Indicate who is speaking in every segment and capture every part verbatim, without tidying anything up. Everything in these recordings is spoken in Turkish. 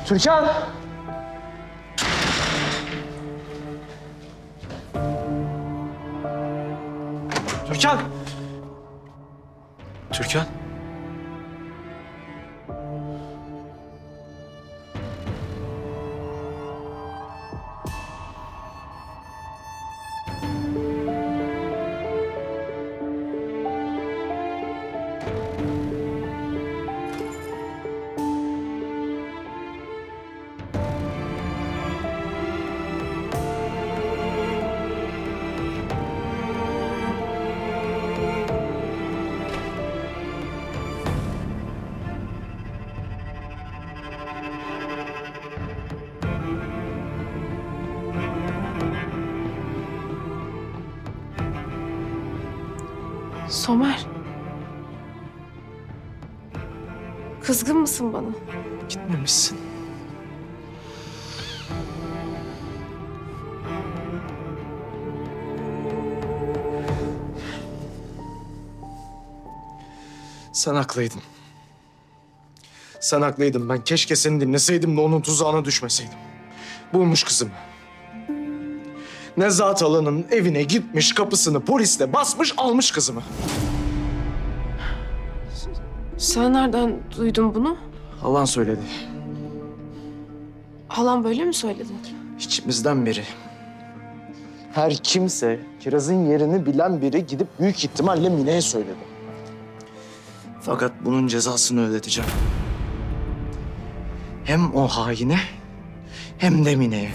Speaker 1: Türkan! Türkan! Türkan?
Speaker 2: Somer. Kızgın mısın bana?
Speaker 1: Gitmemişsin. Sen haklıydın. Sen haklıydın. Ben keşke seni dinleseydim de onun tuzağına düşmeseydim. Bulmuş kızımı. Nezahat Alan'ın evine gitmiş, kapısını polisle basmış, almış kızımı.
Speaker 2: Sen nereden duydun bunu?
Speaker 1: Alan söyledi.
Speaker 2: Halam böyle mi söyledi?
Speaker 1: İçimizden biri. Her kimse Kiraz'ın yerini bilen biri gidip büyük ihtimalle Mine'ye söyledi. Fakat bunun cezasını ödeteceğim. Hem o haine hem de Mine'ye.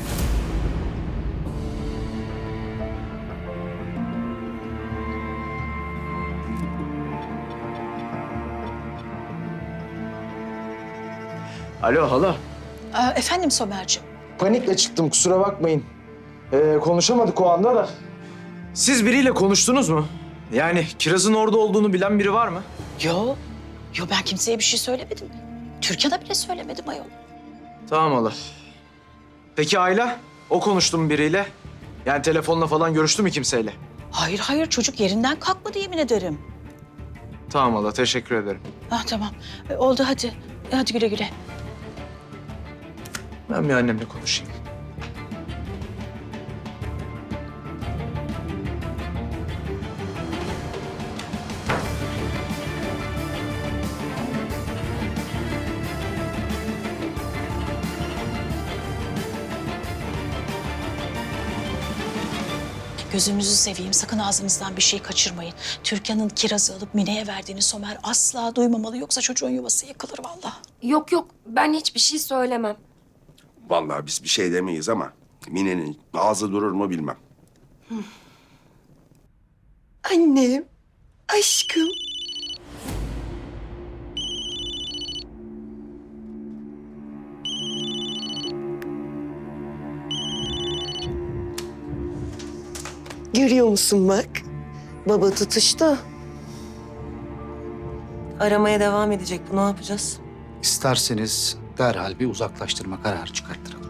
Speaker 1: Alo hala.
Speaker 3: Aa, efendim Somerciğim.
Speaker 1: Panikle çıktım, kusura bakmayın. Ee, konuşamadık o anda da. Siz biriyle konuştunuz mu? Yani Kiraz'ın orada olduğunu bilen biri var mı?
Speaker 3: Yo, yo ben kimseye bir şey söylemedim. Türkan'a bile söylemedim ayol.
Speaker 1: Tamam hala. Peki Ayla? O konuştu mu biriyle? Yani telefonla falan görüştü mü kimseyle?
Speaker 3: Hayır hayır çocuk yerinden kalkmadı yemin ederim.
Speaker 1: Tamam hala, teşekkür ederim.
Speaker 3: Ah tamam E, oldu hadi. E, hadi güle güle.
Speaker 1: Ben bir annemle konuşayım.
Speaker 3: Gözünüzü seveyim sakın ağzınızdan bir şey kaçırmayın. Türkan'ın kirazı alıp Mine'ye verdiğini Somer asla duymamalı. Yoksa çocuğun yuvası yıkılır vallahi.
Speaker 2: Yok yok, ben hiçbir şey söylemem.
Speaker 4: Vallahi biz bir şey demeyiz ama Mine'nin ağzı durur mu bilmem.
Speaker 5: Annem, aşkım. Görüyor musun bak? Baba tutuştu. Aramaya devam edecek. Bu ne yapacağız?
Speaker 6: İsterseniz derhal bir uzaklaştırma kararı çıkarttıralım.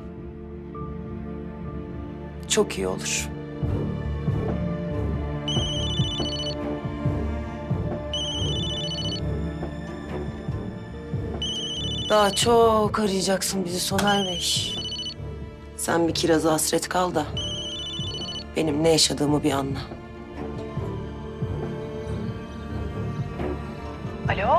Speaker 5: Çok iyi olur. Daha çok arayacaksın bizi Soner Bey. Sen bir Kiraz'a hasret kal da benim ne yaşadığımı bir anla.
Speaker 3: Alo?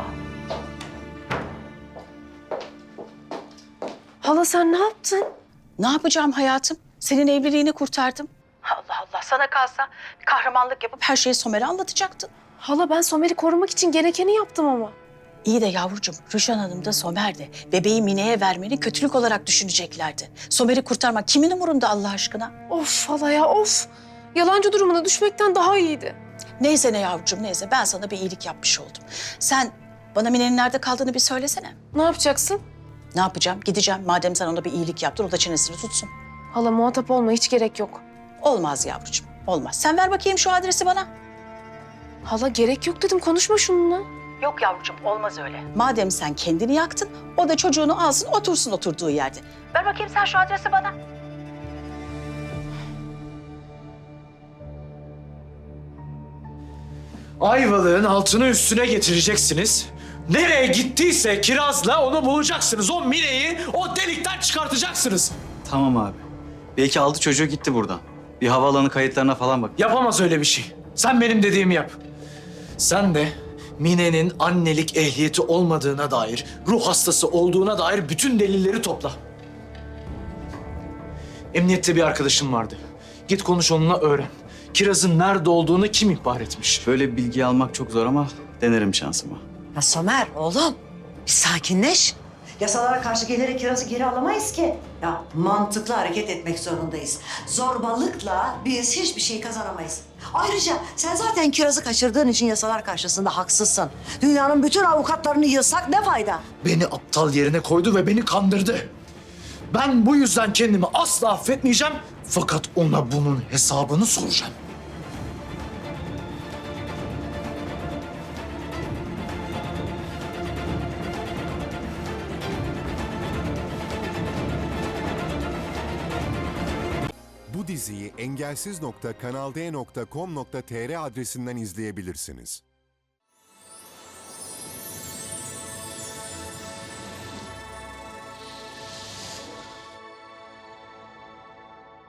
Speaker 2: Hala sen ne yaptın?
Speaker 3: Ne yapacağım hayatım? Senin evliliğini kurtardım. Allah Allah sana kalsa kahramanlık yapıp her şeyi Somer'e anlatacaktın.
Speaker 2: Hala ben Somer'i korumak için gerekeni yaptım ama.
Speaker 3: İyi de yavrucuğum, Rüçhan Hanım da Somer de bebeği Mine'ye vermeni kötülük olarak düşüneceklerdi. Somer'i kurtarmak kimin umurunda Allah aşkına?
Speaker 2: Of hala ya of. Yalancı durumuna düşmekten daha iyiydi.
Speaker 3: Neyse ne yavrucuğum neyse ben sana bir iyilik yapmış oldum. Sen bana Mine'nin nerede kaldığını bir söylesene.
Speaker 2: Ne yapacaksın?
Speaker 3: Ne yapacağım? Gideceğim madem sen ona bir iyilik yaptın o da çenesini tutsun.
Speaker 2: Hala muhatap olma, hiç gerek yok.
Speaker 3: Olmaz yavrucuğum olmaz. Sen ver bakayım şu adresi bana.
Speaker 2: Hala gerek yok dedim, konuşma şununla.
Speaker 3: Yok yavrucuğum olmaz öyle. Madem sen kendini yaktın o da çocuğunu alsın otursun oturduğu yerde. Ver bakayım sen şu adresi bana.
Speaker 1: Ayvalık'ın altını üstüne getireceksiniz.
Speaker 7: Nereye gittiyse Kiraz'la onu bulacaksınız. O Mine'yi o delikten çıkartacaksınız.
Speaker 8: Tamam abi. Belki aldı çocuğu gitti buradan. Bir havaalanı kayıtlarına falan bak.
Speaker 7: Yapamaz öyle bir şey. Sen benim dediğimi yap. Sen de Mine'nin annelik ehliyeti olmadığına dair, ruh hastası olduğuna dair bütün delilleri topla. Emniyette bir arkadaşım vardı. Git konuş onunla öğren. Kiraz'ın nerede olduğunu kim ihbar etmiş?
Speaker 8: Böyle bir bilgi almak çok zor ama denerim şansıma.
Speaker 9: Ya Somer oğlum bir sakinleş. Yasalara karşı gelerek Kiraz'ı geri alamayız ki. Ya mantıklı hareket etmek zorundayız. Zorbalıkla biz hiçbir şey kazanamayız. Ayrıca sen zaten Kiraz'ı kaçırdığın için yasalar karşısında haksızsın. Dünyanın bütün avukatlarını yığsak ne fayda?
Speaker 7: Beni aptal yerine koydu ve beni kandırdı. Ben bu yüzden kendimi asla affetmeyeceğim. Fakat ona bunun hesabını soracağım.
Speaker 10: Bu diziyi engelsiz nokta kanal d nokta com nokta tr adresinden izleyebilirsiniz.